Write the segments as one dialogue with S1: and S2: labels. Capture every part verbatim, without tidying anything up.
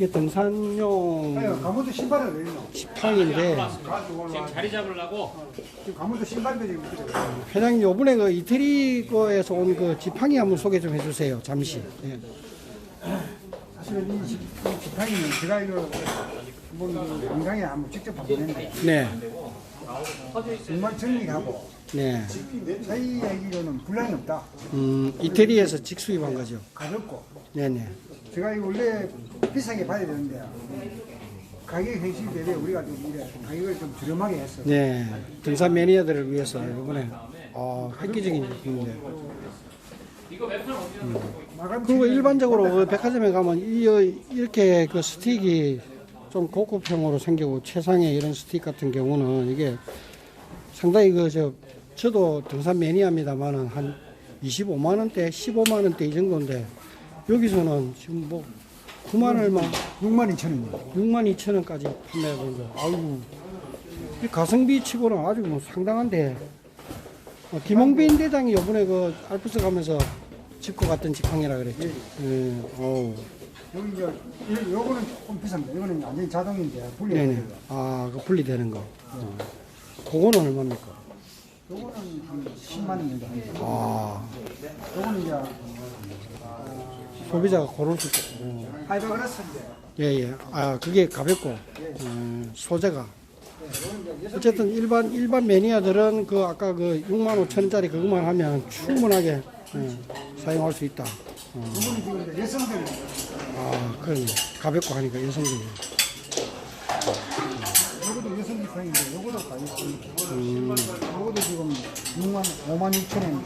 S1: 이게 등산용
S2: 아유, 가문도 신발을 왜 있노?
S1: 지팡인데
S3: 지금 자리 잡으려고
S2: 지금 가문도 신발도 지금 있거든.
S1: 회장님 요번에 그 이태리 거에서 온 그 지팡이 한번 소개 좀 해주세요. 잠시. 예.
S2: 사실은 이 지- 이 지팡이는 제가 이거 한번 그 영상에 한번 직접 봤는데
S1: 네,
S2: 정말 정리하고
S1: 네.
S2: 저희 얘기로는 분량이 없다.
S1: 음, 이태리에서 직수입한 거죠.
S2: 가볍고
S1: 네네.
S2: 제가 이거 원래 비싸게 봐야 되는데 가격 현실 대비 우리가 좀 이래 가격을 좀 저렴하게 했어.
S1: 네. 등산 매니아들을 위해서 이번에 어, 획기적인 제품인데.
S2: 마감
S1: 그리고
S2: 시간이
S1: 일반적으로 그 백화점에 가면 이, 이렇게 그 스틱이 좀 고급형으로 생기고 최상의 이런 스틱 같은 경우는 이게 상당히 그 저 저도 등산 매니아입니다만은 한 이십오만 원대, 십오만 원대 이 정도인데 여기서는 지금 뭐 구만 얼마,
S2: 육만 이천 원이요.
S1: 육만 이천 원까지 판매하는 거. 아이고 이 가성비 치고는 아주 뭐 상당한데. 어, 김홍빈 대장이 요번에 그 알프스 가면서 짚고 갔던 지팡이라 그랬죠. 예. 어우.
S2: 여기 이제 이- 요거는 조금 비쌉니다. 이거는 완전히 자동인데 분리.
S1: 네네. 아, 그 분리되는 거. 어. 그거는 얼마입니까?
S2: 요거는 한 십만 원 정도 합니다.
S1: 아,
S2: 요거는 이제
S1: 소비자가 고를 수 있고. 어.
S2: 파이버그라스인데
S1: 예, 예. 아, 그게 가볍고, 어, 소재가. 어쨌든 일반, 일반 매니아들은 그 아까 그 육만 오천 원짜리 그것만 하면 충분하게 예, 사용할 수 있다. 어.
S2: 이거는 지금 이제 여성들
S1: 아, 그러네. 가볍고 하니까 여성들이.
S2: 요것도 여성 지팡인데 요것도 가격이
S1: 음,
S2: 요것도 지금 육만 오만 육천 원.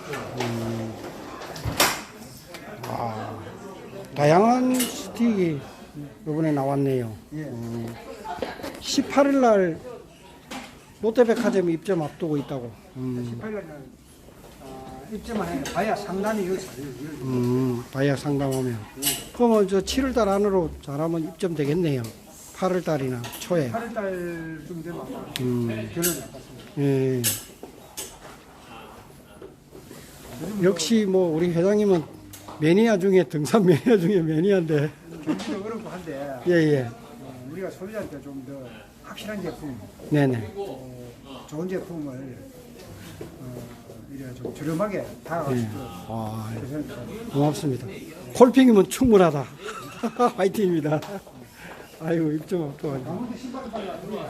S1: 아, 다양한 스틱이 이번에 나왔네요.
S2: 예.
S1: 십팔 일 날 롯데백화점 입점 앞두고 있다고. 음,
S2: 십팔 일날 아, 입점만 해 봐야 상단이 여기 살려요.
S1: 음, 바이아 상담하면. 그러면 저 칠 월 달 안으로 잘하면 입점 되겠네요. 팔 월 달이나 초에.
S2: 팔 월달쯤 되면 아마
S1: 음,
S2: 결론이 났습니다.
S1: 예. 역시 뭐 우리 회장님은 매니아 중에 등산 매니아 중에 매니아인데.
S2: 경기도 어렵고 한데
S1: 예, 예.
S2: 어, 우리가 소비자한테 좀 더 확실한 제품,
S1: 네네.
S2: 어, 좋은 제품을 어, 이래 좀 저렴하게 다가갈 수
S1: 예.
S2: 있도록
S1: 아,
S2: 최선을 다하겠습니다.
S1: 고맙습니다. 콜핑이면 충분하다. 화이팅입니다. 아이고, 입점 앞두고.
S2: 아무도 신발 빨리 안 들어와.